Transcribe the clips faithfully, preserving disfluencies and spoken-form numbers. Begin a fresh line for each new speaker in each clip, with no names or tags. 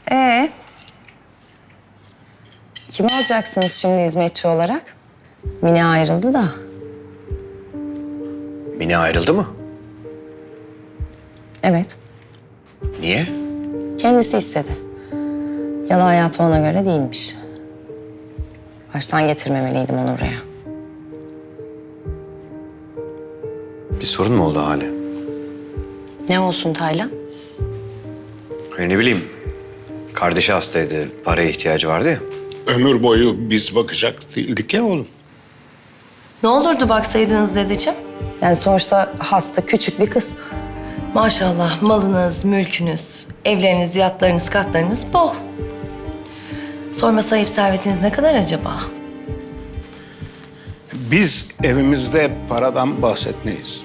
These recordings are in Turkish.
Ee, kimi alacaksınız şimdi hizmetçi olarak? Mine ayrıldı da.
Mine ayrıldı mı?
Evet,
Niye?
kendisi istedi. Yalı hayatı ona göre değilmiş. Baştan getirmemeliydim onu buraya.
Bir sorun mu oldu Hale?
Ne olsun Taylan?
Hani ne bileyim, kardeşi hastaydı, paraya ihtiyacı vardı ya.
Ömür boyu biz bakacak değildik ya oğlum.
Ne olurdu baksaydınız dedeciğim?
Yani sonuçta hasta küçük bir kız.
Maşallah malınız, mülkünüz, evleriniz, yatlarınız, katlarınız bol. Sorma sahip servetiniz ne kadar acaba?
Biz evimizde paradan bahsetmeyiz.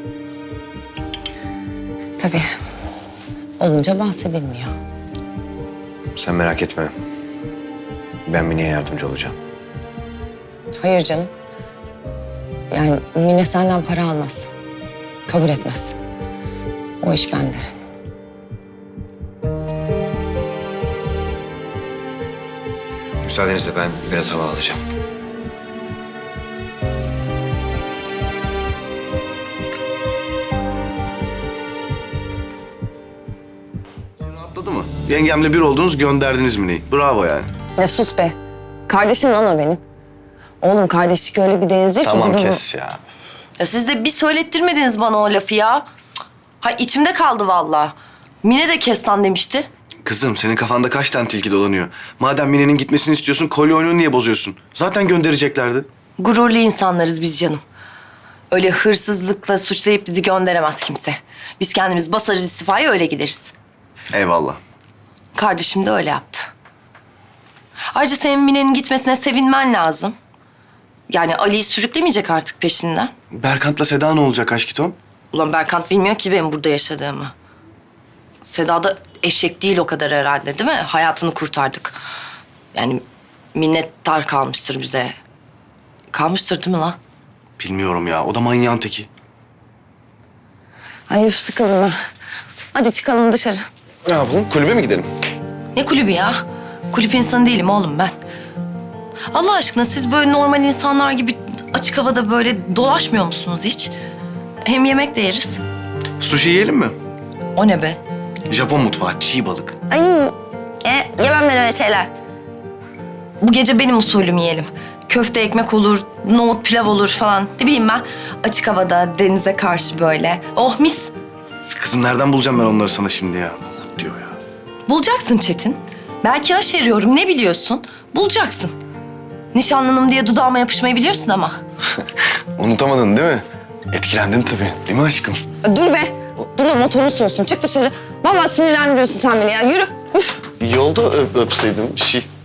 Tabii. Olunca bahsedilmiyor.
Sen merak etme. Ben Mine'ye yardımcı olacağım.
Hayır canım. Yani Mine senden para almaz. Kabul etmez. O iş bende.
Müsaadenizle ben biraz hava alacağım.
Atladı mı? Yengemle bir oldunuz, gönderdiniz Mine'yi. Bravo yani.
Ya sus be. Kardeşim lan o benim. Oğlum kardeşlik öyle bir denizdir ki...
Tamam
gibi-
kes ya.
Ya siz de bir söylettirmediniz bana o lafı ya. Cık. Ha içimde kaldı vallahi. Mine de kestan demişti.
Kızım senin kafanda kaç tane tilki dolanıyor? Madem Mine'nin gitmesini istiyorsun, kolye oyununu niye bozuyorsun? Zaten göndereceklerdi.
Gururlu insanlarız biz canım. Öyle hırsızlıkla suçlayıp bizi gönderemez kimse. Biz kendimiz basarız istifaya öyle gideriz.
Eyvallah.
Kardeşim de öyle yaptı. Ayrıca senin Mine'nin gitmesine sevinmen lazım. Yani Ali'yi sürüklemeyecek artık peşinden.
Berkant'la Seda ne olacak aşkitom?
Ulan Berkant bilmiyor ki benim burada yaşadığımı. Seda da eşek değil o kadar herhalde değil mi? Hayatını kurtardık. Yani minnettar kalmıştır bize. Kalmıştır değil mi lan?
Bilmiyorum ya, o da manyağın teki.
Ay üf sıkıldım ben. Hadi çıkalım dışarı.
Ne yapalım, kulübe mi gidelim?
Ne kulübü ya? Kulüp insanı değilim oğlum ben. Allah aşkına siz böyle normal insanlar gibi açık havada böyle dolaşmıyor musunuz hiç? Hem yemek de yeriz.
Sushi yiyelim mi?
O ne be?
Japon mutfağı, çiğ balık.
Ay e, yemem ben öyle şeyler.
Bu gece benim usulüm yiyelim. Köfte ekmek olur, nohut pilav olur falan. Ne bileyim ben açık havada denize karşı böyle. Oh mis.
Kızım nereden bulacağım ben onları sana şimdi ya? Diyor ya.
Bulacaksın Çetin. Belki aşeriyorum ne biliyorsun? Bulacaksın. Nişanlınım diye dudağıma yapışmayı biliyorsun ama.
Unutamadın değil mi? Etkilendin tabii, değil mi aşkım?
Dur be. Dur da motorun soğusun. Çık dışarı. Vallahi sinirlendiriyorsun sen beni ya. Yürü. Üf.
Yolda öp, öpseydim, şi.